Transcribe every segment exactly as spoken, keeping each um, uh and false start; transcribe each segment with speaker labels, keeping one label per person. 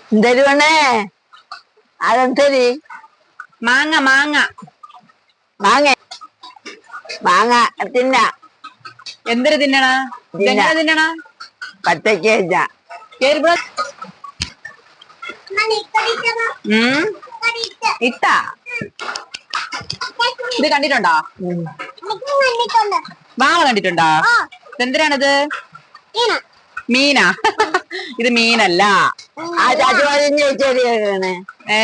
Speaker 1: എന്തരുവണേ അതെന്തരി
Speaker 2: മാങ്ങ മാങ്ങ
Speaker 1: മാങ്ങ മാങ്ങ തിന്ന
Speaker 2: എന്തൊരു തിന്നണ എങ്ങനെ തിന്നണ
Speaker 1: പച്ചക്ക്
Speaker 2: ഇട്ട ഇത് കണ്ടിട്ടുണ്ടോ? മാങ്ങ കണ്ടിട്ടുണ്ടോ? എന്തിനാണിത്? മീനാ? ഇത് മീനല്ല. ഏ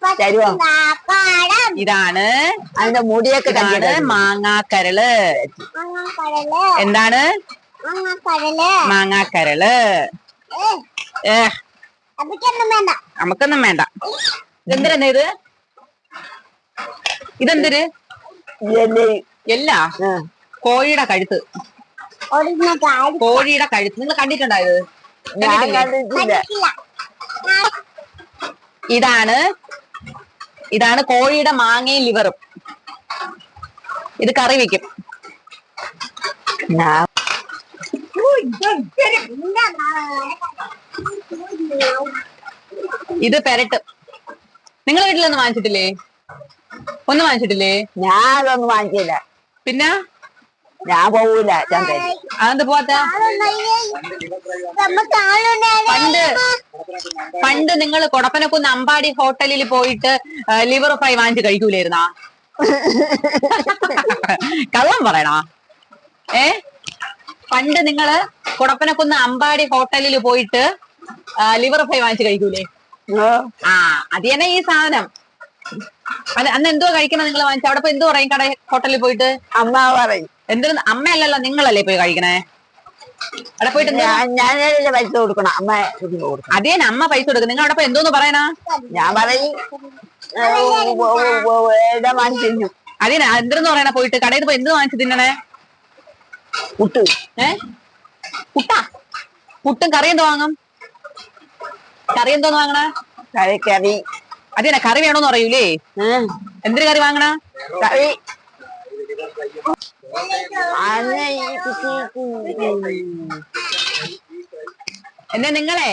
Speaker 2: ഇതാണ്
Speaker 1: അതിന്റെ മുടിയൊക്കെ
Speaker 2: ഇതാണ് മാങ്ങാക്കരള്. എന്താണ് മാങ്ങാക്കരള്? ഏ നമുക്കൊന്നും വേണ്ട. എന്തിനാ ഇത്? ഇതെന്തൊരു എല്ലാ കോഴിയുടെ കഴുത്ത്. കോഴിയുടെ കഴുത്ത് നിങ്ങൾ കണ്ടിട്ടുണ്ടോ? ഇത് ഇതാണ് ഇതാണ് കോഴിയുടെ മാങ്ങയും ലിവറും. ഇത് കറി വെക്കും. ഇത് പെരട്ട്. നിങ്ങളെ വീട്ടിലൊന്നും വാങ്ങിച്ചിട്ടില്ലേ? ഒന്നും വാങ്ങിച്ചിട്ടില്ലേ?
Speaker 1: ഞാൻ അതൊന്നും വാങ്ങിച്ചില്ല.
Speaker 2: പിന്നെ
Speaker 1: ഞാൻ പോവൂല.
Speaker 2: അതെന്ത് പോവാത്ത? പണ്ട് പണ്ട് നിങ്ങൾ കൊടപ്പനക്കുന്ന് അമ്പാടി ഹോട്ടലിൽ പോയിട്ട് ലിവർ ഫ്രൈ വാങ്ങിച്ച് കഴിക്കൂലായിരുന്നാ? കള്ളം പറയണോ? ഏ പണ്ട് നിങ്ങള് കൊടപ്പനക്കുന്ന് അമ്പാടി ഹോട്ടലിൽ പോയിട്ട് ലിവർ ഫ്രൈ വാങ്ങിച്ച് കഴിക്കൂലേ? ആ അത് തന്നെ ഈ സാധനം. അന്ന് എന്തോ കഴിക്കണം നിങ്ങൾ വാങ്ങിച്ച? അവിടെ എന്തോ പറയും കട ഹോട്ടലിൽ പോയിട്ട്?
Speaker 1: അമ്മ പറയും.
Speaker 2: എന്തിനും അമ്മയല്ലല്ലോ നിങ്ങളല്ലേ പോയി കഴിക്കണേ? അവിടെ പോയിട്ട്
Speaker 1: ഞാനല്ലേ പൈസ കൊടുക്കണം. അമ്മ
Speaker 2: അതേ അമ്മ പൈസ കൊടുക്കും. നിങ്ങൾ അവിടെ പോയി എന്തോന്ന് പറയണ?
Speaker 1: ഞാൻ പറയും
Speaker 2: അതേ എന്തെന്ന് പറയണ? പോയിട്ട് കടയിൽ പോയി എന്ത് വാങ്ങിച്ചു തിന്നണേ?
Speaker 1: പുട്ട്.
Speaker 2: ഏ പുട്ടാ? പുട്ടും കറി എന്തോ വാങ്ങും? കറി എന്തോന്ന് വാങ്ങണ?
Speaker 1: കറി കറി
Speaker 2: അതേനാ കറി വേണോന്ന് പറയൂലേ? എന്തിനു കറി വാങ്ങണ?
Speaker 1: കറി
Speaker 2: എന്നെ നിങ്ങളെ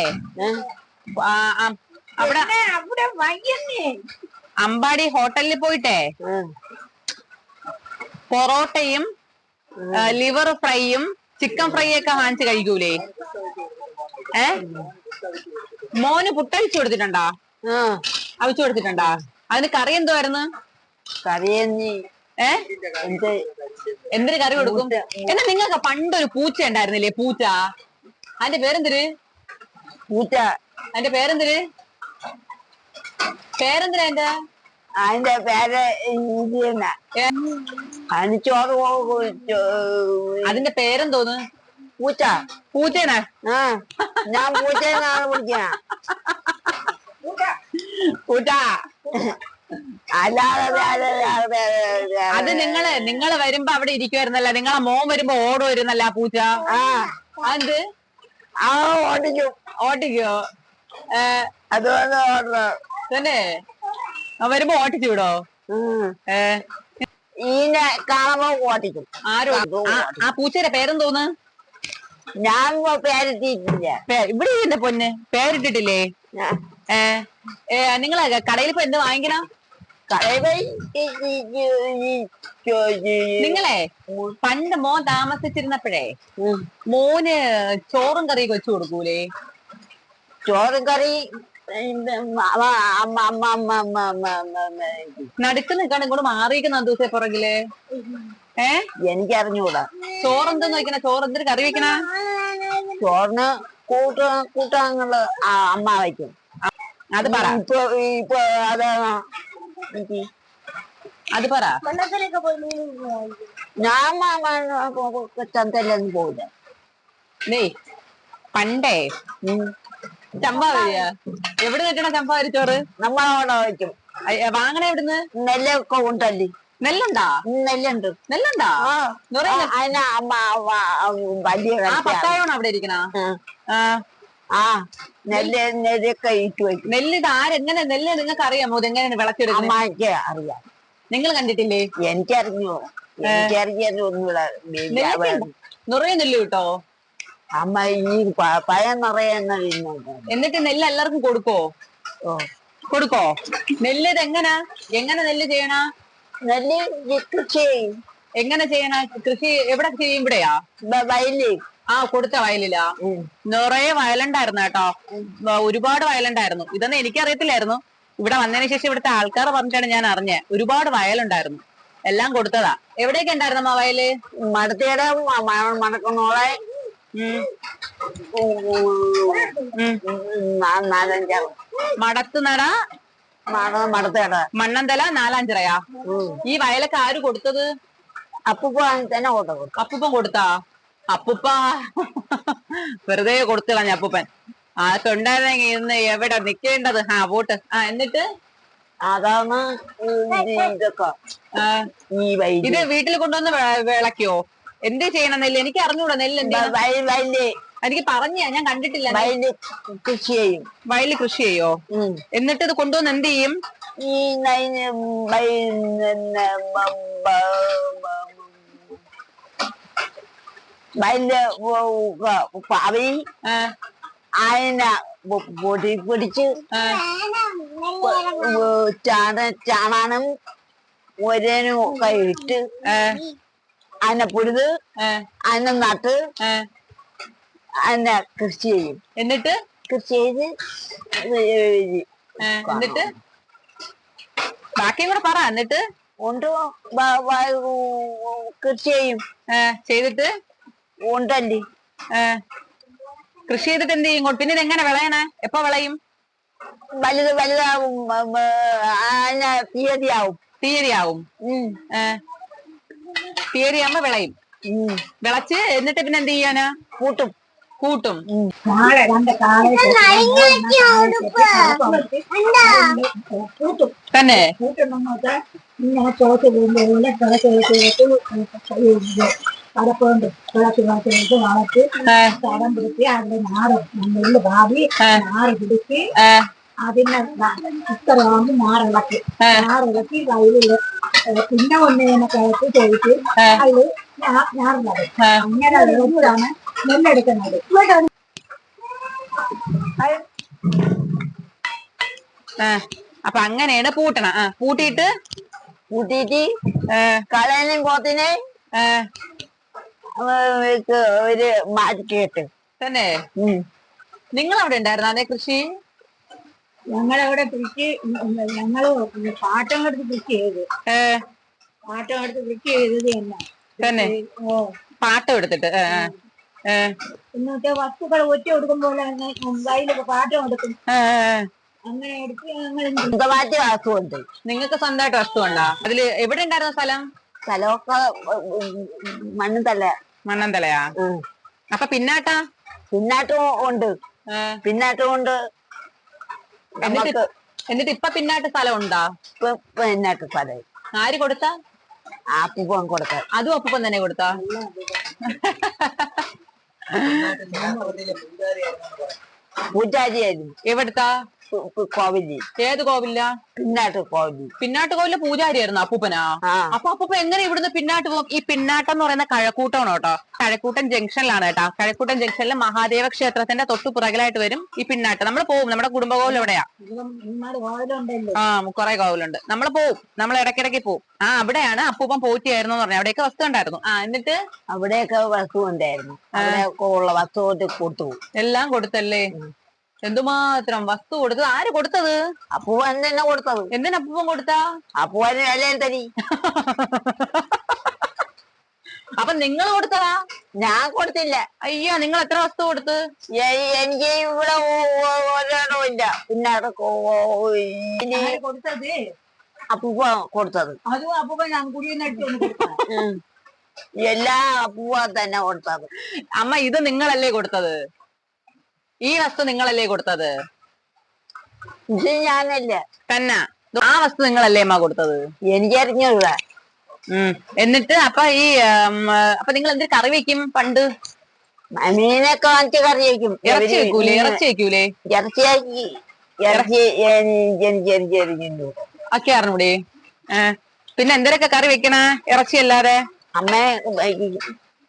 Speaker 2: അവിടെ അമ്പാടി ഹോട്ടലിൽ പോയിട്ടേ പൊറോട്ടയും ലിവർ ഫ്രൈയും ചിക്കൻ ഫ്രൈ ഒക്കെ വാങ്ങിച്ച് കഴിക്കൂലേ? ഏ മോന് പുട്ടഴിച്ചു കൊടുത്തിട്ടുണ്ടോ? അവിച്ചു കൊടുത്തിട്ടുണ്ടോ? അതിന് കറി എന്തുവായിരുന്നു?
Speaker 1: കറി
Speaker 2: ഏ എന്തിനു കറി കൊടുക്കും? എന്നാ നിങ്ങൾക്ക് പണ്ടൊരു പൂച്ച ഉണ്ടായിരുന്നില്ലേ? പൂച്ച. അതിന്റെ പേരെന്തിര്?
Speaker 1: പൂച്ച.
Speaker 2: അതിന്റെ പേരെന്തിര്? പേരെന്തിനാ അതിന്റെ?
Speaker 1: അതിന്റെ പേര് അതിന് ചോറ്.
Speaker 2: അതിന്റെ പേരെന്തോന്ന്?
Speaker 1: പൂച്ച.
Speaker 2: പൂച്ചേനാ?
Speaker 1: ആ ഞാൻ പൂച്ചേനാണ് വിളിക്ക.
Speaker 2: പൂച്ച.
Speaker 1: അല്ലാതെ
Speaker 2: അത് നിങ്ങള് നിങ്ങള് വരുമ്പോ അവിടെ ഇരിക്കുവായിരുന്നല്ല? നിങ്ങളെ മോൻ വരുമ്പോ ഓടുമായിരുന്നല്ല ആ പൂച്ച? അത്
Speaker 1: ആ ഓടിക്കും.
Speaker 2: ഓട്ടിക്കോ?
Speaker 1: അതുകൊണ്ട് ഓടണം
Speaker 2: തന്നെ. വരുമ്പോ ഓട്ടിച്ചു വിടോ? ഏ
Speaker 1: ഈനെ കാണുമ്പോ ഓട്ടിക്കും.
Speaker 2: ആരോ ആ പൂച്ചയുടെ പേരെന്തോന്ന്?
Speaker 1: ഞാൻ പേരിട്ടിട്ടില്ല.
Speaker 2: ഇവിടെ എന്റെ പൊന്ന് പേരിട്ടിട്ടില്ലേ? ഏ ഏ നിങ്ങള് കടയിൽ ഇപ്പൊ എന്ത് വാങ്ങിക്കണം? നിങ്ങളെ പണ്ട് മോൻ താമസിച്ചിരുന്നപ്പോഴേ മോന് ചോറും കറിയൊക്കെ വെച്ചു കൊടുക്കൂലേ?
Speaker 1: ചോറും കറി
Speaker 2: നടുക്ക് നിൽക്കാണ്ട് ഇങ്ങോട്ട് മാറിയിരിക്കുന്ന ദിവസം പുറകില്. ഏ
Speaker 1: എനിക്കറിഞ്ഞൂടാ.
Speaker 2: ചോറെന്തെന്ന് വെക്കണ? ചോറ് എന്തൊരു കറി വെക്കണ?
Speaker 1: ചോറിന് കൂട്ട കൂട്ടാങ്ങള് അമ്മ വയ്ക്കും.
Speaker 2: അത് പറ.
Speaker 1: ഇപ്പൊ ഇപ്പൊ അത്
Speaker 2: അത് പറ.
Speaker 1: ഞാൻ ചന്തയിലൊന്നും പോവില്ല.
Speaker 2: ഡേ പണ്ടേ ചമ്പാവരിയ എവിടെ കിട്ടണ ചമ്പാവരി ചോറ്?
Speaker 1: നമ്മളവിടെ വയ്ക്കും.
Speaker 2: വാങ്ങണ എവിടുന്ന്?
Speaker 1: നെല്ലൊക്കെ ഉണ്ടല്ലേ?
Speaker 2: നെല്ലുണ്ടാ?
Speaker 1: നെല്ലുണ്ട്.
Speaker 2: നെല്ലുണ്ടാ?
Speaker 1: അതിന് അമ്മ വലിയ
Speaker 2: പത്തായോണ് അവിടെ ഇരിക്കണ.
Speaker 1: ആ നെല്ല് നെല്ലൊക്കെ ഇട്ട് വയ്ക്കും.
Speaker 2: നെല്ല് ഇത് ആരെങ്ങനെ? നെല്ല് നിങ്ങൾക്ക് അറിയാമോ? ഇതെങ്ങനെയാണ് വിളച്ചെടുക്കുന്നത്?
Speaker 1: അമ്മയ്ക്ക് അറിയാം.
Speaker 2: നിങ്ങൾ കണ്ടിട്ടില്ലേ?
Speaker 1: എനിക്കറിഞ്ഞു. എനിക്കറിയാൻ ഒന്നുകൂടെ
Speaker 2: നിറയെ നെല്ല് കിട്ടോ?
Speaker 1: അമ്മ ഈ പ- പഴം നിറയെ എണ്ണ തിന്നുന്നു.
Speaker 2: എന്നിട്ട് നെല്ല് എല്ലാവർക്കും കൊടുക്കോ?
Speaker 1: ഓ
Speaker 2: കൊടുക്കോ? നെല്ല് ഇത് എങ്ങനാ എങ്ങനെ നെല്ല് ചെയ്യണ?
Speaker 1: നെല്ല് ഈ കൃഷി ചെയ്യും.
Speaker 2: എങ്ങനെ ചെയ്യണ കൃഷി? എവിടെ ചെയ്യും? ഇവിടെയാ?
Speaker 1: ബ- വയലിൽ.
Speaker 2: ആ, കൊടുത്ത വയലിലാ?
Speaker 1: ഉം.
Speaker 2: നിറയെ വയലുണ്ടായിരുന്നു കേട്ടോ. വ- ഒരുപാട് വയലുണ്ടായിരുന്നു. ഇതൊന്നും എനിക്കറിയത്തില്ലായിരുന്നു. ഇവിടെ വന്നതിന് ശേഷം ഇവിടുത്തെ ആൾക്കാർ പറഞ്ഞിട്ടാണ് ഞാൻ അറിഞ്ഞത്. ഒരുപാട് വയലുണ്ടായിരുന്നു. എല്ലാം കൊടുത്തതാ. എവിടെയൊക്കെ ഉണ്ടായിരുന്നമ്മ വയല്?
Speaker 1: മടത്തിയുടെ മണക്കുന്നോളെ
Speaker 2: ഉം ഉം
Speaker 1: നാലഞ്ചാറ്
Speaker 2: മടത്ത് നട,
Speaker 1: മടത്തേട
Speaker 2: മണ്ണന്തല, നാലാഞ്ചിറയാ? ഈ വയലൊക്കെ ആര് കൊടുത്തത്?
Speaker 1: അപ്പൂപ്പ തന്നെ കൊടുത്തു.
Speaker 2: അപ്പൂപ്പൻ കൊടുത്താ? അപ്പൂപ്പ വെറുതെ കൊടുത്തു കളഞ്ഞ അപ്പൂപ്പൻ. അതൊക്കെ ഉണ്ടായിരുന്നെങ്കിൽ ഇന്ന് എവിടെ നിക്കേണ്ടത്. ആ വോട്ട്. ആ എന്നിട്ട്
Speaker 1: അതാണ് ഇതൊക്കെ
Speaker 2: ആ,
Speaker 1: ഈ വയല്.
Speaker 2: ഇത് വീട്ടിൽ കൊണ്ടുവന്ന് വെ- വിളക്കോ? എന്ത് ചെയ്യണം നെല്ല്? എനിക്ക് അറിഞ്ഞൂടാ നെല്ല് എന്ത് ചെയ്യണം.
Speaker 1: വയല്
Speaker 2: എനിക്ക് പറഞ്ഞ ഞാൻ കണ്ടിട്ടില്ല.
Speaker 1: വയല് കൃഷി ചെയ്യും.
Speaker 2: വയലിൽ കൃഷി ചെയ്യോ?
Speaker 1: ഉം.
Speaker 2: എന്നിട്ട് ഇത് കൊണ്ടുവന്ന് എന്ത് ചെയ്യും?
Speaker 1: ഈ നൈന് വയലില് പാവി
Speaker 2: ആ,
Speaker 1: അതിനെ പൊടി പൊടിച്ച്
Speaker 2: ആ,
Speaker 1: ചാണ ചാണാനും ഒരേനും ഒക്കെ ഇട്ട്
Speaker 2: ആ,
Speaker 1: അതിനെ പൊടിത്
Speaker 2: ആ,
Speaker 1: അതിനെ നട്ട്
Speaker 2: ആ.
Speaker 1: അതിനെ കൃഷി ചെയ്യും.
Speaker 2: എന്നിട്ട്
Speaker 1: കൃഷി ചെയ്ത്
Speaker 2: ആ, എന്നിട്ട് ബാക്കിയും കൂടെ പറ. എന്നിട്ട്
Speaker 1: കൊണ്ട് കൃഷി ചെയ്യും.
Speaker 2: ആ, ചെയ്തിട്ട്
Speaker 1: ഉണ്ടല്ലേ
Speaker 2: ആ, കൃഷി ചെയ്തിട്ട് എന്ത് ചെയ്യും? പിന്നെ ഇത് എങ്ങനെ വിളയണേ? എപ്പോ വിളയും?
Speaker 1: വലുത് വലുതാവും. അതിനെ തീയതിയാവും.
Speaker 2: തീയതിയാവും.
Speaker 1: ഉം.
Speaker 2: ആ, തീയതിയാകുമ്പോ വിളയും.
Speaker 1: ഉം.
Speaker 2: വിളച്ച് എന്നിട്ട് പിന്നെ എന്ത് ചെയ്യാനാ?
Speaker 1: കൂട്ടും.
Speaker 2: കൂട്ടും.
Speaker 3: കാളെ രണ്ട് കാളെ കൂട്ടും.
Speaker 2: തന്നെ
Speaker 3: കൂട്ടുണ്ടെന്ന് വെച്ചാൽ ഇങ്ങനെ ചോറ്റ് പോകുമ്പോൾ കടപ്പുണ്ട് വിളച്ച് വിളച്ച് വളച്ച് തടം പിടിച്ച് അതിന്റെ നാറ് നെല്ല് ഭാവി നാറ് പിടിച്ച്
Speaker 2: ആ,
Speaker 3: അതിനെ ഇത്രയാകുമ്പോൾ നാറിളക്കി നാറിളക്കി വയലില് പിന്നെ ഒന്നിനെ കിളച്ച് ചോദിച്ച് അതില് ഞാറുള്ളത് അങ്ങനെ വിളച്ചാണ് നെല്ലെടുക്കുന്നത്.
Speaker 2: ആ, അപ്പൊ അങ്ങനെയാണ് പൂട്ടണ. ആ, പൂട്ടിയിട്ട്
Speaker 1: കൂട്ടിയിട്ട് കളയനും കോത്തിനെ ഒരു മാറ്റിട്ട്.
Speaker 2: തന്നെ നിങ്ങൾ അവിടെ ഉണ്ടായിരുന്നു അതേ കൃഷി?
Speaker 3: ഞങ്ങളവിടെ കൃഷി ഞങ്ങള് പാട്ടം എടുത്ത് കൃഷി ചെയ്ത്
Speaker 2: ഏ
Speaker 3: പാട്ടം എടുത്ത് കൃഷി ചെയ്തത് തന്നെ.
Speaker 2: തന്നെ
Speaker 3: ഓ
Speaker 2: പാട്ടം എടുത്തിട്ട് ഏ ഏ
Speaker 3: എന്നിട്ട് വസ്തുക്കൾ ഒറ്റ കൊടുക്കുമ്പോൾ വയലൊക്കെ പാട്ടം എടുക്കും.
Speaker 2: ഏ, ഏ.
Speaker 3: അങ്ങനെ എടുത്ത് ഞങ്ങൾ
Speaker 1: സ്വന്തമായിട്ട് വാസുണ്ട്.
Speaker 2: നിങ്ങൾക്ക് സ്വന്തമായിട്ട് വസ്തു ഉണ്ടോ? അതില് എവിടെ ഉണ്ടായിരുന്ന സ്ഥലം?
Speaker 1: സ്ഥലമൊക്കെ മണ്ണും തല്ല.
Speaker 2: മണ്ണന്തലയാ? അപ്പൊ പിന്നാട്ടാ?
Speaker 1: പിന്നാട്ടും ഉണ്ട്.
Speaker 2: ഏ,
Speaker 1: പിന്നാട്ടും ഉണ്ട്.
Speaker 2: എന്നിട്ട്
Speaker 1: നമുക്ക്
Speaker 2: എന്നിട്ട് ഇപ്പൊ പിന്നാട്ട് സ്ഥലം ഉണ്ടാ?
Speaker 1: പിന്നാട്ട് സ്ഥലം
Speaker 2: ആര് കൊടുത്ത?
Speaker 1: ആ പൂവൻ കൊടുക്ക.
Speaker 2: അതും അപ്പൂപ്പൻ തന്നെ കൊടുത്താ?
Speaker 1: പൂജാരിയായിരുന്നു.
Speaker 2: എവിടുത്താ?
Speaker 1: കോവിലി.
Speaker 2: ഏത് കോവില്ല?
Speaker 1: പിന്നാട്ട് കോവിലി.
Speaker 2: പിന്നാട്ട് കോവിലെ പൂജാരിയായിരുന്നു അപ്പൂപ്പനാ?
Speaker 1: ആ
Speaker 2: അപ്പൊ അപ്പൂപ്പ എങ്ങനെ ഇവിടുന്ന് പിന്നാട്ട് പോകും? ഈ പിന്നാട്ടം എന്ന് പറയുന്ന കഴക്കൂട്ടമാണ് കേട്ടോ. കഴക്കൂട്ടൻ ജംഗ്ഷനിലാണ് കേട്ടോ. കഴക്കൂട്ടൻ ജംഗ്ഷനിൽ മഹാദേവ ക്ഷേത്രത്തിന്റെ തൊട്ടു പുറകിലായിട്ട് വരും ഈ പിന്നാട്ട്. നമ്മൾ പോവും. നമ്മുടെ കുടുംബ കോവിൽ എവിടെയാ?
Speaker 3: വാതിലുണ്ടല്ലോ.
Speaker 2: ആ, കുറെ കോവിലുണ്ട്. നമ്മൾ പോവും. നമ്മൾ ഇടയ്ക്കിടയ്ക്ക് പോവും. ആ, അവിടെയാണ് അപ്പൂപ്പൻ പോറ്റിയായിരുന്നു എന്ന് പറഞ്ഞു. അവിടെയൊക്കെ വസ്തു ഉണ്ടായിരുന്നു. ആ, എന്നിട്ട്
Speaker 1: അവിടെയൊക്കെ വസ്തു ഉണ്ടായിരുന്നു. അവിടെയൊക്കെ ഉള്ള വസ്തു കൊണ്ട് കൊടുത്തു.
Speaker 2: എല്ലാം കൊടുത്തല്ലേ? എന്തുമാത്രം വസ്തു കൊടുത്തത്? ആര് കൊടുത്തത്?
Speaker 1: അപ്പൂവൻ തന്നെ കൊടുത്തത്.
Speaker 2: എന്തിനാ അപ്പൂപ്പൻ കൊടുത്താ?
Speaker 1: അപ്പൂവന് വിലയും തരി.
Speaker 2: അപ്പൊ നിങ്ങൾ കൊടുത്തതാ?
Speaker 1: ഞാൻ കൊടുത്തില്ല.
Speaker 2: അയ്യോ, നിങ്ങൾ എത്ര വസ്തു കൊടുത്ത്?
Speaker 1: എ- എനിക്ക് ഇവിടെ ഒരിടവും ഇല്ല. പിന്നെ അതൊക്കെ
Speaker 3: ആര് കൊടുത്തത്?
Speaker 1: അപ്പൂപ്പ കൊടുത്തത്.
Speaker 3: അതും അപ്പൊ ഞാൻ കുടിയെടുത്ത് കൊടുത്ത
Speaker 1: ഉം. എല്ലാ അപ്പൂവ തന്നെ കൊടുത്തത്.
Speaker 2: അമ്മ, ഇത് നിങ്ങളല്ലേ കൊടുത്തത്? ഈ വസ്തു നിങ്ങളല്ലേ കൊടുത്തത്?
Speaker 1: ഇത് ഞാനല്ല.
Speaker 2: തന്നെ? ആ വസ്തു നിങ്ങളല്ലേ അമ്മ കൊടുത്തത്?
Speaker 1: എനിക്കറിഞ്ഞൂടാ.
Speaker 2: ഉം. എന്നിട്ട് അപ്പൊ ഈ ഉം, അപ്പൊ നിങ്ങൾ എന്തൊരു കറി വെക്കും പണ്ട്?
Speaker 1: മീനൊക്കെ വാങ്ങിച്ച് കറി വയ്ക്കും.
Speaker 2: ഇറച്ചി വെക്കൂലേ? ഇറച്ചി വെക്കൂലേ?
Speaker 1: ഇറച്ചിയാക്കി ഇറച്ചി എനിക്ക് എനിക്ക് എരിഞ്ഞു.
Speaker 2: ഒക്കെ അറിഞ്ഞൂടെ? ഏഹ് പിന്നെ എന്തൊക്കെ കറി വെക്കണ ഇറച്ചി അല്ലാതെ?
Speaker 1: അമ്മ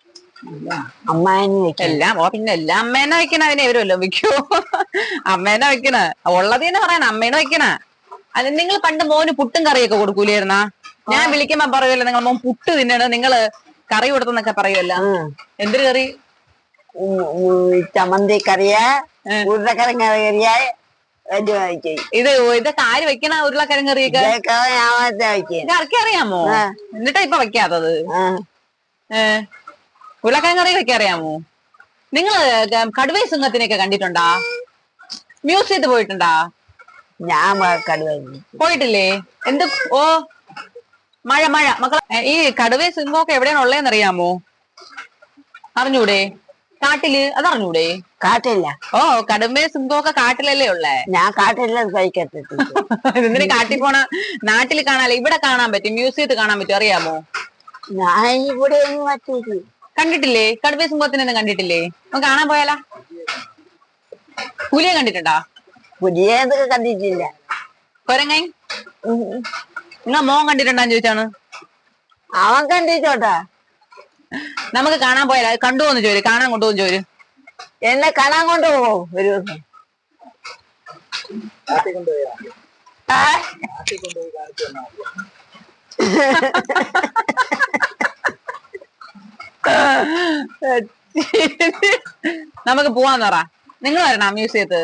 Speaker 1: അമ്മായിന് വെക്കാം.
Speaker 2: എല്ലാം ഓ പിന്നെ എല്ലാം അമ്മേനെ വെക്കണ അതിനെ ഇവരല്ലോ വെക്കോ അമ്മേനെ വെക്കണ ഉള്ളത് തന്നെ പറയണ അമ്മേനെ വെക്കണ. അത് നിങ്ങൾ പണ്ട് മോന് പുട്ടും കറിയൊക്കെ കൊടുക്കൂലായിരുന്നാ? ഞാൻ വിളിക്കുമ്പോ പറയുമല്ലോ നിങ്ങൾ മോൻ പുട്ട് തിന്നണ നിങ്ങള് കറി കൊടുത്തെന്നൊക്കെ പറയുമല്ലോ. എന്തൊരു കറി?
Speaker 1: ചമ്മന്തി കറിയാ, ഉരുളക്കിഴങ്ങ് കറിയാ,
Speaker 2: ഇത് ഇതൊക്കെ ആര് വെക്കണ ഉരുളക്കിഴങ്ങ് കറിയൊക്കെ? ഇതൊക്കെ അറിയാമോ? എന്നിട്ടാ ഇപ്പൊ വെക്കാത്തത്? ഏഹ് ഉരുളക്കിഴങ്ങ് കറി വെക്കാൻ അറിയാമോ? നിങ്ങള് കടുവ സിംഹത്തിനെയൊക്കെ കണ്ടിട്ടുണ്ടാ? മ്യൂസിയത്തിൽ പോയിട്ടുണ്ടാ?
Speaker 1: ഞാൻ കടുവ
Speaker 2: പോയിട്ടില്ലേ? എന്ത് ഓ മഴ മഴ മക്കളെ ഈ കടുവ സിംഹമൊക്കെ എവിടെയാണ് ഉള്ളതെന്ന് അറിയാമോ? അറിഞ്ഞൂടെ? കാട്ടില് അതറിഞ്ഞൂടെ?
Speaker 1: കാട്ടില്ല.
Speaker 2: ഓ കടുവ സിംഹമൊക്കെ കാട്ടിലല്ലേ ഉള്ളേ?
Speaker 1: ഞാൻ കാട്ടില്ല കഴിക്കത്തില്ല.
Speaker 2: എന്തിനു കാട്ടിൽ പോണ? നാട്ടിൽ കാണാല്ലേ, ഇവിടെ കാണാൻ പറ്റും, മ്യൂസിയത്തിൽ കാണാൻ പറ്റും, അറിയാമോ?
Speaker 1: ഞാൻ ഇവിടെ പറ്റില്ല.
Speaker 2: കണ്ടിട്ടില്ലേ? കടുവ സിംഹത്തിനൊന്നും കണ്ടിട്ടില്ലേ? നമുക്ക് കാണാൻ പോയാലാ? പുലിയെ കണ്ടിട്ടുണ്ടാ?
Speaker 1: പുലിയൊക്കെ കണ്ടിട്ടില്ല.
Speaker 2: കൊരങ്ങൻ നിങ്ങ മോൻ കണ്ടിട്ടുണ്ടാന്ന് ചോദിച്ചാണ്.
Speaker 1: അവൻ കണ്ടിട്ടോട്ടാ.
Speaker 2: നമുക്ക് കാണാൻ പോയാലോ? കണ്ടുപോന്ന് ചോര്, കാണാൻ കൊണ്ടുപോകും ചോര്.
Speaker 1: എന്നെ കാണാൻ കൊണ്ടുപോകോ ഒരു ദിവസം?
Speaker 2: നമുക്ക് പോവാന്ന് പറ. നിങ്ങൾ വരണ മ്യൂസിയത്ത്?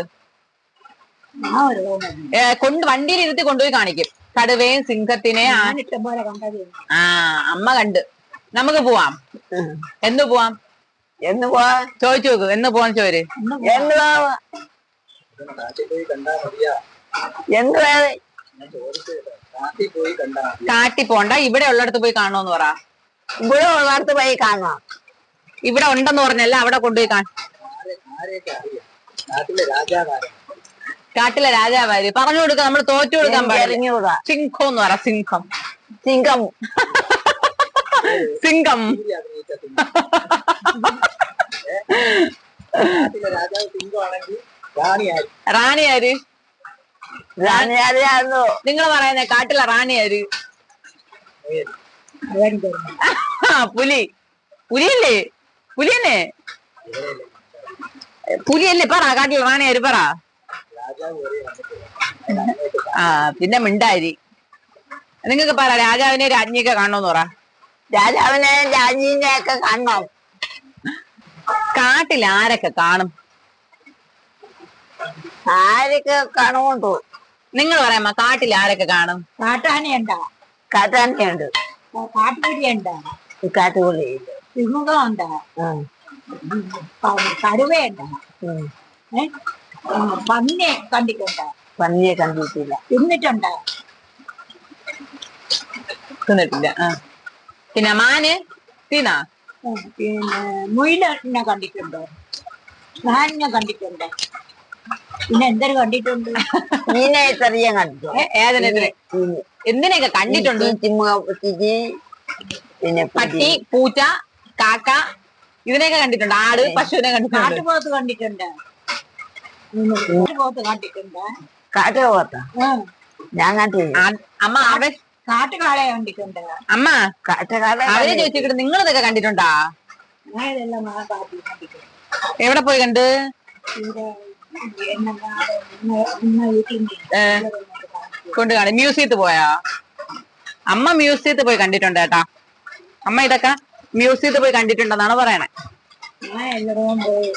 Speaker 2: കൊണ്ട് വണ്ടിയിൽ ഇരുത്തി കൊണ്ടുപോയി കാണിക്കും കടുവയും സിംഹത്തിനെ. ആ അമ്മ കണ്ട്. നമുക്ക് പോവാം. എന്ന് പോവാം?
Speaker 1: എന്ന് പോവാ
Speaker 2: ചോദിച്ചു നോക്ക്. എന്ന് പോവാൻ ചോര്.
Speaker 1: എന്ന് പോവാ എന്ത്
Speaker 2: കാട്ടി പോണ്ട, ഇവിടെ ഉള്ളിടത്ത് പോയി കാണണോന്ന് പറ.
Speaker 1: ഇവിടെ ഉള്ളിടത്ത് പോയി കാണാം.
Speaker 2: ഇവിടെ ഉണ്ടെന്ന് പറഞ്ഞല്ല, അവിടെ കൊണ്ടുപോയി കാണ. കാട്ടിലെ രാജാവാര് പറഞ്ഞു കൊടുക്ക. നമ്മൾ തോറ്റു കൊടുക്കാൻ പാടില്ല. സിംഹം എന്ന് പറ. സിംഹം
Speaker 1: സിംഹം
Speaker 2: സിംഹം റാണിയാര്?
Speaker 1: റാണിയാരാണോ
Speaker 2: നിങ്ങൾ പറയുന്നേ? കാട്ടിലെ റാണിയാര്? പുലി. പുലിയല്ലേ? പുലിയല്ലേ? പുലിയല്ലേ? പറ കാട്ടിലെ റാണിയാര് പറ. ആ പിന്നെ മിണ്ടാരി. നിങ്ങക്ക് പറ രാജാവിനെ രാജ്ഞിയൊക്കെ കാണണോന്ന് പറ.
Speaker 1: രാജാവിനെ രാജ്ഞിനെ ഒക്കെ കാണണം.
Speaker 2: കാട്ടിൽ ആരൊക്കെ കാണും?
Speaker 1: ആരൊക്കെ കാണുമുണ്ടോ?
Speaker 2: നിങ്ങൾ പറയാമോ കാട്ടിൽ ആരൊക്കെ കാണും?
Speaker 3: കാട്ടാനയുണ്ടാ?
Speaker 1: കാട്ടാനയുണ്ട്.
Speaker 3: കാട്ടുപുലിയുണ്ടാ?
Speaker 1: കാട്ടുപുലിയുണ്ട്.
Speaker 3: സിംഹമുണ്ടാ? കടുവയുണ്ടാ? പന്നിയെ കണ്ടിട്ടുണ്ടാ?
Speaker 1: പന്നിയെ കണ്ടിട്ടില്ല.
Speaker 3: തിന്നിട്ടുണ്ടാ?
Speaker 2: തിന്നിട്ടില്ല. പിന്നെ മാന് തിന്നാ?
Speaker 3: പിന്നെ മുയിലിനെ കണ്ടിട്ടുണ്ടോ? മാനിനെ കണ്ടിട്ടുണ്ടോ? പിന്നെ എന്തൊരു കണ്ടിട്ടുണ്ട്?
Speaker 1: മീനെ ചെറിയ കണ്ടിട്ടു.
Speaker 2: ഏതിനെ? എന്തിനെയൊക്കെ കണ്ടിട്ടുണ്ട്?
Speaker 1: പിന്നെ
Speaker 2: പട്ടി, പൂച്ച, കാക്ക ഇതിനെയൊക്കെ കണ്ടിട്ടുണ്ട്. ആട്, പശുവിനെ കണ്ടിട്ടുണ്ട്.
Speaker 3: കാട്ടുപോത്ത് കണ്ടിട്ടുണ്ട്. കാട്ടുപോത്ത് കണ്ടിട്ടുണ്ട്.
Speaker 1: കാട്ടുപോത്ത ഞാൻ കണ്ടില്ല.
Speaker 2: അമ്മ അവൻ
Speaker 3: കാട്ടുകാളയെ കണ്ടിട്ടുണ്ട്.
Speaker 2: അമ്മ
Speaker 1: കാട്ടുകാളെ
Speaker 2: അവരെ ചോദിച്ചിട്ട് നിങ്ങൾ ഇതൊക്കെ കണ്ടിട്ടുണ്ടാ?
Speaker 3: ഞാനിതെല്ലാം കാട്ടി കണ്ടിട്ടുണ്ട്.
Speaker 2: എവിടെ പോയി കണ്ട്? കൊണ്ട് കാണി. മ്യൂസിയത്തിൽ പോയാ? അമ്മ മ്യൂസിയത്തിൽ പോയി കണ്ടിട്ടുണ്ട് കേട്ടാ. അമ്മ ഇതൊക്കെ മ്യൂസിയത്തിൽ പോയി കണ്ടിട്ടുണ്ടെന്നാണ് പറയണേ.
Speaker 3: ഞാൻ എല്ലായിടവും പോയി.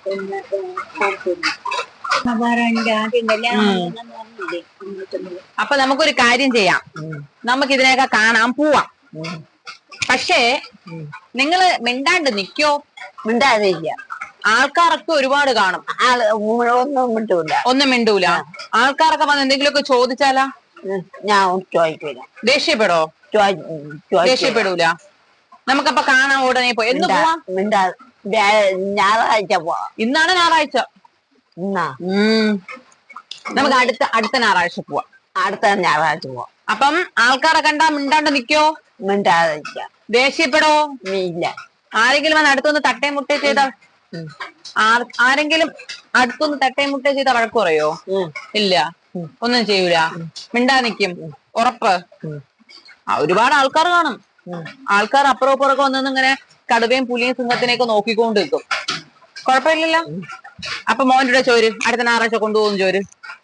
Speaker 2: അപ്പൊ നമുക്കൊരു കാര്യം ചെയ്യാം. നമുക്ക് ഇതിനെയൊക്കെ കാണാൻ പോവാം. പക്ഷേ നിങ്ങള് മിണ്ടാണ്ട് നിക്കോ?
Speaker 1: മിണ്ടാതില്ല.
Speaker 2: ആൾക്കാരൊക്കെ ഒരുപാട് കാണും.
Speaker 1: ആള് ഒന്നും മിണ്ടൂല.
Speaker 2: ഒന്നും മിണ്ടൂല. ആൾക്കാരൊക്കെ വന്ന് എന്തെങ്കിലുമൊക്കെ ചോദിച്ചാലാ?
Speaker 1: ഞാൻ ചോദിക്കൂല.
Speaker 2: ദേഷ്യപ്പെടോ? ദേഷ്യപ്പെടൂല. നമുക്കപ്പൊ കാണാൻ ഉടനെ പോയി. എന്ന് പോവാം?
Speaker 1: മിണ്ടാ ഞായറാഴ്ച പോവാം.
Speaker 2: ഇന്നാണ് ഞായറാഴ്ച.
Speaker 1: എന്നാ
Speaker 2: നമുക്ക് അടുത്ത അടുത്ത ഞായറാഴ്ച പോവാം.
Speaker 1: അടുത്ത ഞായറാഴ്ച പോവാം.
Speaker 2: അപ്പം ആൾക്കാരെ കണ്ടാ മിണ്ടാണ്ട് നിക്കോ?
Speaker 1: മിണ്ടാതിരിക്ക.
Speaker 2: ദേഷ്യപ്പെടോ?
Speaker 1: ഇല്ല.
Speaker 2: ആരെങ്കിലും വന്ന് അടുത്തൊന്ന് തട്ടേ മുട്ടേ ചെയ്താൽ? ആരെങ്കിലും അടുത്തൊന്ന് തട്ടേ മുട്ടേ ചെയ്താൽ വഴക്ക് പറയോ? ഇല്ല, ഒന്നും ചെയ്യൂല. മിണ്ടാ നിക്കും. ഉറപ്പ്? ആ ഒരുപാട് ആൾക്കാർ കാണും. ആൾക്കാർ അപ്പുറം ഇപ്പുറമൊക്കെ വന്നൊന്നും ഇങ്ങനെ കടുവയും പുലിയും സിംഹത്തിനെയൊക്കെ നോക്കിക്കൊണ്ട് നിൽക്കും. കുഴപ്പമില്ലല്ലോ. അപ്പൊ മോൻ്റെ ചോര് അടുത്ത ഞായറാഴ്ച കൊണ്ടുപോകും. ചോര്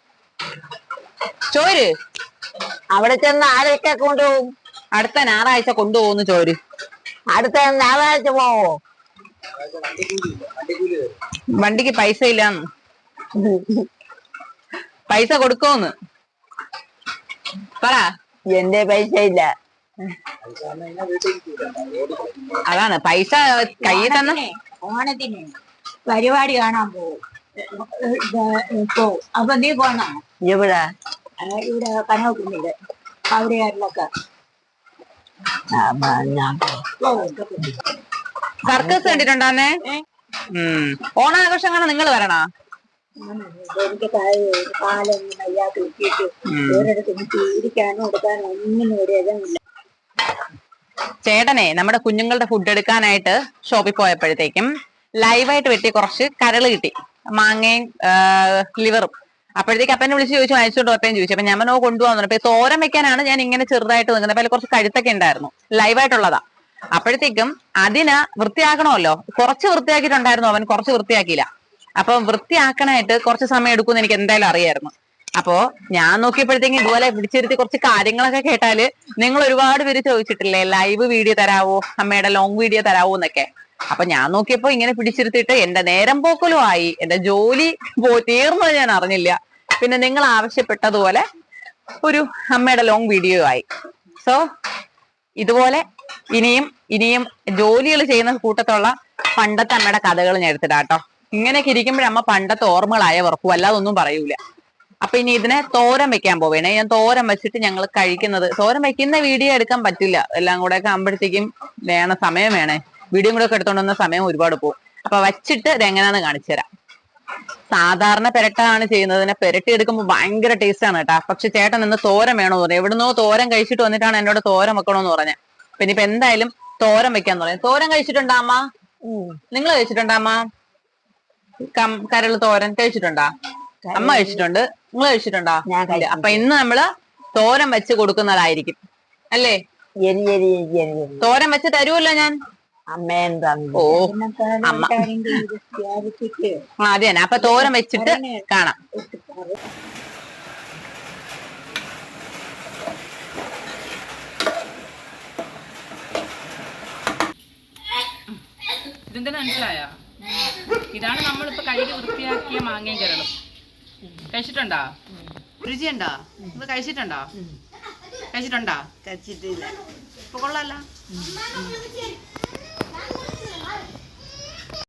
Speaker 2: ചോര്
Speaker 1: അവിടെ ചെന്ന് ആരൊക്കെ കൊണ്ടുപോകും?
Speaker 2: അടുത്ത ഞായറാഴ്ച കൊണ്ടുപോകുന്നു ചോര്.
Speaker 1: അടുത്ത ഞായറാഴ്ച പോവോ?
Speaker 2: വണ്ടിക്ക് പൈസ ഇല്ലാന്ന്. പൈസ കൊടുക്കോന്ന് പറ.
Speaker 1: എന്റെ പൈസ ഇല്ല.
Speaker 2: അതാണ് പൈസ കയ്യിൽ തന്ന.
Speaker 3: ഓണത്തിന് പരിപാടി കാണാൻ പോകും. അപ്പൊ നീ പോണോ?
Speaker 1: ഇവിടെ
Speaker 3: ഇവിടെ കനകുന്നില് അവിടെയാരിലൊക്കെ
Speaker 2: സർക്കസ് കണ്ടിട്ടുണ്ടാന്നേ. ഉം ഓണാഘോഷങ്ങൾ നിങ്ങൾ വരണോ?
Speaker 3: എനിക്ക് കാലൊന്നും വയ്യാതെ കിട്ടിയിട്ട് ഒരിടത്ത് എനിക്ക് ഇരിക്കാനോ എടുക്കാനോ ഒന്നിനും ഒരു ഇതമില്ല.
Speaker 2: ചേട്ടനെ നമ്മുടെ കുഞ്ഞുങ്ങളുടെ ഫുഡ് എടുക്കാനായിട്ട് ഷോപ്പിൽ പോയപ്പോഴത്തേക്കും ലൈവായിട്ട് വെട്ടി കുറച്ച് കരള് കിട്ടി, മാങ്ങയും ലിവറും. അപ്പോഴത്തേക്ക് അപ്പനെ വിളിച്ച് ചോദിച്ചു അയച്ചോണ്ടോ അപ്പയും ചോദിച്ചു. അപ്പൊ ഞാൻ നോ കൊണ്ടുപോകാൻ. അപ്പൊ തോരൻ വെക്കാനാണ് ഞാൻ ഇങ്ങനെ ചെറുതായിട്ട് നിൽക്കുന്നത്. അപ്പൊ അതിൽ കുറച്ച് കഴുത്തൊക്കെ ഉണ്ടായിരുന്നു, ലൈവായിട്ടുള്ളതാ. അപ്പോഴത്തേക്കും അതിന് വൃത്തിയാക്കണമല്ലോ, കുറച്ച് വൃത്തിയാക്കിയിട്ടുണ്ടായിരുന്നു അവൻ, കുറച്ച് വൃത്തിയാക്കിയില്ല. അപ്പൊ വൃത്തിയാക്കാനായിട്ട് കുറച്ച് സമയം എടുക്കുമെന്ന് എനിക്ക് എന്തായാലും അറിയായിരുന്നു. അപ്പോ ഞാൻ നോക്കിയപ്പോഴത്തേക്കും ഇതുപോലെ പിടിച്ചിരുത്തി കുറച്ച് കാര്യങ്ങളൊക്കെ കേട്ടാല് നിങ്ങൾ ഒരുപാട് പേര് ചോദിച്ചിട്ടില്ലേ ലൈവ് വീഡിയോ തരാവോ, അമ്മയുടെ ലോങ് വീഡിയോ തരാവോ എന്നൊക്കെ. അപ്പൊ ഞാൻ നോക്കിയപ്പോ ഇങ്ങനെ പിടിച്ചിരുത്തിയിട്ട് എന്റെ നേരം പോക്കലും ആയി, എന്റെ ജോലി പോ തീർന്നത് ഞാൻ അറിഞ്ഞില്ല. പിന്നെ നിങ്ങൾ ആവശ്യപ്പെട്ടതുപോലെ ഒരു അമ്മയുടെ ലോങ് വീഡിയോ ആയി. സോ ഇതുപോലെ ഇനിയും ഇനിയും ജോലികൾ ചെയ്യുന്ന കൂട്ടത്തുള്ള പണ്ടത്തെ അമ്മയുടെ കഥകൾ ഞാൻ എടുത്തിടാട്ടോ. ഇങ്ങനെയൊക്കെ ഇരിക്കുമ്പോഴമ്മ പണ്ടത്തെ ഓർമ്മകളായ ഉറപ്പും അല്ലാതെ ഒന്നും പറയൂല. അപ്പൊ ഇനി ഇതിനെ തോരൻ വെക്കാൻ പോവേണേ. ഞാൻ തോരൻ വെച്ചിട്ട് ഞങ്ങൾ കഴിക്കുന്നത്, തോരൻ വെക്കുന്ന വീഡിയോ എടുക്കാൻ പറ്റില്ല, എല്ലാം കൂടെ ഒക്കെ ആകുമ്പോഴത്തേക്കും വേണം, സമയം വേണേ. വീഡിയോ കൂടെ ഒക്കെ എടുത്തോണ്ടുവന്ന സമയം ഒരുപാട് പോകും. അപ്പൊ വച്ചിട്ട് ഇത് എങ്ങനെയാന്ന് കാണിച്ചു തരാം. സാധാരണ പെരട്ടാണ് ചെയ്യുന്നതിനെ പെരട്ടി എടുക്കുമ്പോൾ ഭയങ്കര ടേസ്റ്റ് ആണ് കേട്ടാ. പക്ഷെ ചേട്ടൻ നിന്ന് തോരൻ വേണമെന്ന് പറഞ്ഞു. എവിടുന്നോ തോരൻ കഴിച്ചിട്ട് വന്നിട്ടാണ് എന്നോട് തോരൻ വെക്കണമെന്ന് പറഞ്ഞത്. പിന്നെ ഇപ്പൊ എന്തായാലും തോരൻ വെക്കാന്ന് പറയാം. തോരൻ കഴിച്ചിട്ടുണ്ടാ അമ്മ? നിങ്ങൾ കഴിച്ചിട്ടുണ്ടാ അമ്മ? കരള് തോരൻ കഴിച്ചിട്ടുണ്ടാ? അമ്മ കഴിച്ചിട്ടുണ്ട്, നിങ്ങൾ കഴിച്ചിട്ടുണ്ടോ? അപ്പൊ ഇന്ന് നമ്മള് തോരൻ വെച്ച് കൊടുക്കുന്നതായിരിക്കും അല്ലേ? തോരൻ വെച്ച് തരുമല്ലോ ഞാൻ. ഓ അമ്മ അതെ തന്നെ. അപ്പൊ തോരൻ വെച്ചിട്ട് കാണാം.
Speaker 4: ഇതെന്താ മനസ്സിലായ? ഇതാണ് നമ്മളിപ്പോ കഴുകി വൃത്തിയാക്കിയ മാങ്ങയും കരളും. കഴിച്ചിട്ടുണ്ടോ? രുചിയുണ്ടോ? ഇത് കഴിച്ചിട്ടുണ്ടോ? കഴിച്ചിട്ടുണ്ടോ?
Speaker 1: കഴിച്ചിട്ടില്ല.
Speaker 4: ഇപ്പൊ കൊള്ളാല്ല.